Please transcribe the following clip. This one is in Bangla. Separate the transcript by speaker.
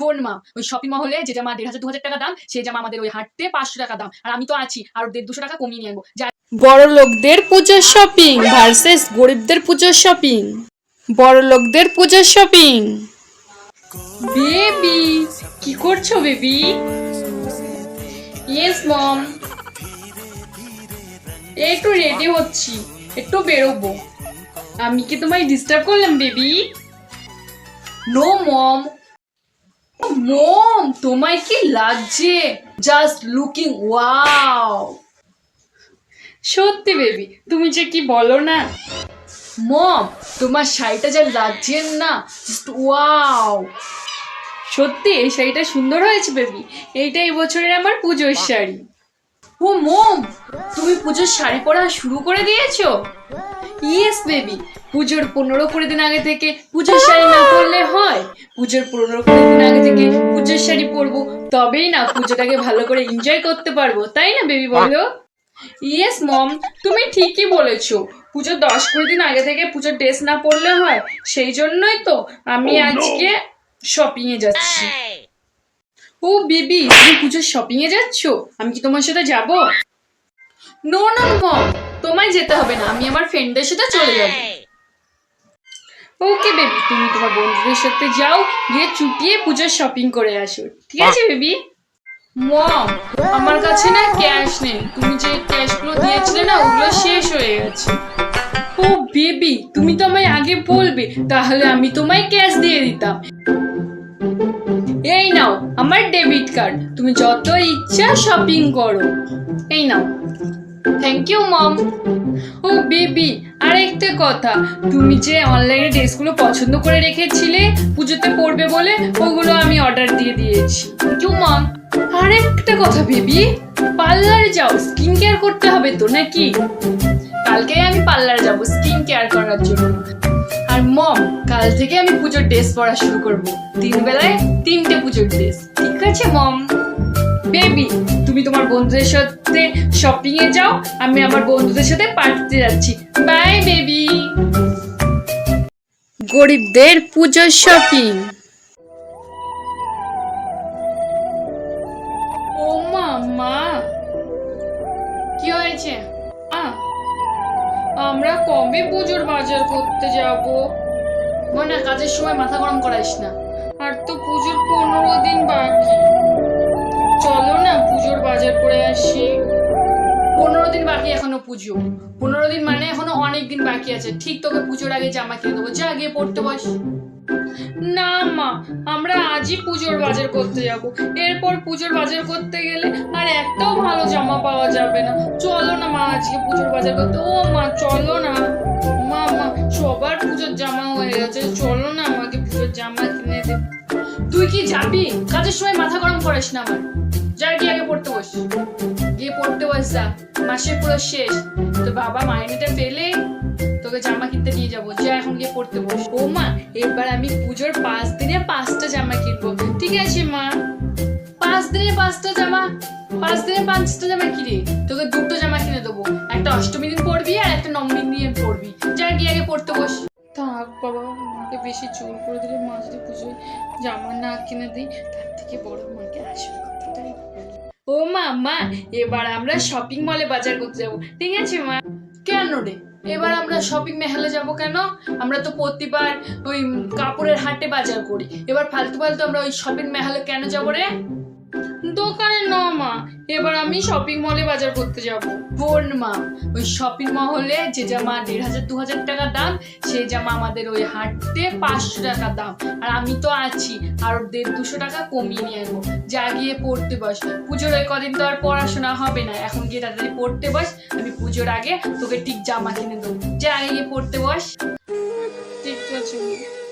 Speaker 1: বোন মা, ওই শপিং মহলে যে জামা 1500-2000 টাকা দাম, সেই জামা আমাদের ওই হাটতে 500 টাকা দাম। আর আমি তো আছি, আর 150-200 টাকা কমিয়ে নিয়ে আনবো।
Speaker 2: বড় লোকদের পুজোর শপিং ভার্সেস গরিবদের পুজোর শপিং। বড় লোকদের পুজোর শপিং।
Speaker 1: বেবি, কি করছো বেবি? ইয়েস মম, একটু রেডি হচ্ছি, একটু বেরোবো। আমি কি তোমায় ডিস্টার্ব করলাম বেবি? No mom. মম, তোমায় কি লাগছে? Just looking wow. সত্যি বেবি, তুমি যে কি বলো না। মম, তোমার শাড়িটা যা লাগছে না, জাস্ট ওয়াও। সত্যি এই শাড়িটা সুন্দর হয়েছে বেবি। এইটা এই বছরের আমার পুজোর শাড়ি। ও মম, তুমি পুজোর শাড়ি পরা শুরু করে দিয়েছো? ইয়েস বেবি, পুজোর 15-20 দিন আগে থেকে পুজোর শাড়ি না পরলে হয়? পুজোর 15-20 দিন আগে থেকে পুজোর শাড়ি পরবো, তবেই না পুজোটাকে ভালো করে এনজয় করতে পারবো, তাই না বেবি বলো? ইয়েস মম, তুমি ঠিকই বলেছো। পুজোর 10-20 দিন আগে থেকে পুজোর ড্রেস না পরলে হয়, সেই জন্যই তো আমি আজকে শপিং এ যাচ্ছি। ও বেবি, তুমি পুজোর শপিং এ যাচ্ছো? আমি কি তোমার সাথে যাব? নো নো মম, তোমায় যেতে হবে না, আমি আমার ফ্রেন্ডদের সাথে চলে যাব। ওকে বেবি, তুমি তোমার বন্ধুদের সাথে যাও, গিয়ে চুটিয়ে পুজোর শপিং করে আসো, ঠিক আছে বেবি? মম, আমার কাছে না ক্যাশ নেই। তুমি যে ক্যাশগুলো দিয়েছিলে না, ওগুলো শেষ হয়ে গেছে। ও বেবি, তুমি তো আমায় আগে বলবে, তাহলে আমি তোমায় ক্যাশ দিয়ে দিতাম। এই নাও আমার ডেবিট কার্ড, তুমি যত ইচ্ছা শপিং করো। এই নাও। Thank you mom. ও বেবি, আর একটা কথা, তুমি যে অনলাইনে ড্রেসগুলো পছন্দ করে রেখেছিলে পুজোতে পরবে বলে, ওগুলো আমি অর্ডার দিয়ে দিয়েছি। থ্যাংক ইউ মম। আর একটা কথা বেবি, পার্লারে যাও, স্কিন কেয়ার করতে হবে তো নাকি? কালকে আমি পার্লারে যাব স্কিন কেয়ার করার জন্য। আর মম, কাল থেকে আমি পুজোর ড্রেস পরা শুরু করব। 3 বেলায় 3টে পুজোর ড্রেস, ঠিক আছে মম? বেবি, তুমি তোমার বন্ধুদের সাথে শপিং এ যাও, আমি আমার বন্ধুদের সাথে পার্টিতে যাচ্ছি। Bye baby.
Speaker 2: গরিবদের পুজোর শপিং।
Speaker 1: ও মা, কি হয়েছে? আমরা কবে পুজোর বাজার করতে যাব? না, কাজের সময় মাথা গরম করাইস না। আর তো পুজোর 15 দিন বাকি। চলো না পুজোর বাজার করে আসি। 15 দিন বাকি এখনো পুজো। 15 দিন মানে এখনো অনেক দিন বাকি আছে। ঠিক তোকে পুজোর আগে জামা কিনে দেবো, যা গিয়ে পড়তে বস। না মা, আমরা আজই পুজোর বাজার করতে যাব। এরপর পুজোর বাজার করতে গেলে আর একটাও ভালো জামা পাওয়া যাবে না। চলো না মা, আজকে পুজোর বাজার করতে। ও মা, চলো না। মা, সবার পুজোর জামা হয়ে গেছে, চলো না আমাকে পুজোর জামা কিনে দে। তুই কি যাবি? কাজের সময় মাথা গরম করিস না আমার। যা গিয়ে আগে পড়তে বস, গিয়ে পড়তে বস যা। মাসের পুরো শেষ, তো বাবা মাইনেটা পেলে তোকে জামা কিনতে নিয়ে যাবো। যা এখন গিয়ে পড়তে বস। ও মা, এবার আমি পুজোর 5 দিনে 5টা জামা কিনবো, ঠিক আছে মা? 5 দিনে 5টা জামা? 5 দিনে 5টা জামা কিনে তোকে 2টো জামা কিনে দেবো। একটা অষ্টমী দিন পরবি আর একটা নবমী দিন পরবি। যা গিয়ে আগে পড়তে বস। থাক বাবা, মাকে বেশি জোর করে দিলে মা যদি পুজোয় জামা না কিনে দিই, তার থেকে বড় মাকে আসবে কথাটাই বলি। ও মা, এবার আমরা শপিং মলে বাজার করতে যাবো, ঠিক আছে মা? কেন রে, এবার আমরা শপিং মহলে যাব কেন? আমরা তো প্রতিবার ওই কাপড়ের হাটে বাজার করি, এবার ফালতু আমরা ওই শপিং মহলে কেন যাবো রে? দোকানে না মা, এবার আমি শপিং মলে বাজার করতে যাব। বোন মা, ওই শপিং মহলে যে জামা 1500-2000 টাকা দাম, সেই জামা আমাদের ওই হাটতে 500 টাকা দাম। আর আমি তো আছি, আর 150-200 টাকা কমিয়ে নিয়ে আসবো। যা গিয়ে পড়তে বস। পুজোর ওই কদিন তো আর পড়াশোনা হবে না, এখন গিয়ে তাড়াতাড়ি পড়তে বস। আমি পুজোর আগে তোকে ঠিক জামা কিনে দেবো। যা আগে গিয়ে পড়তে বস। ঠিক আছে।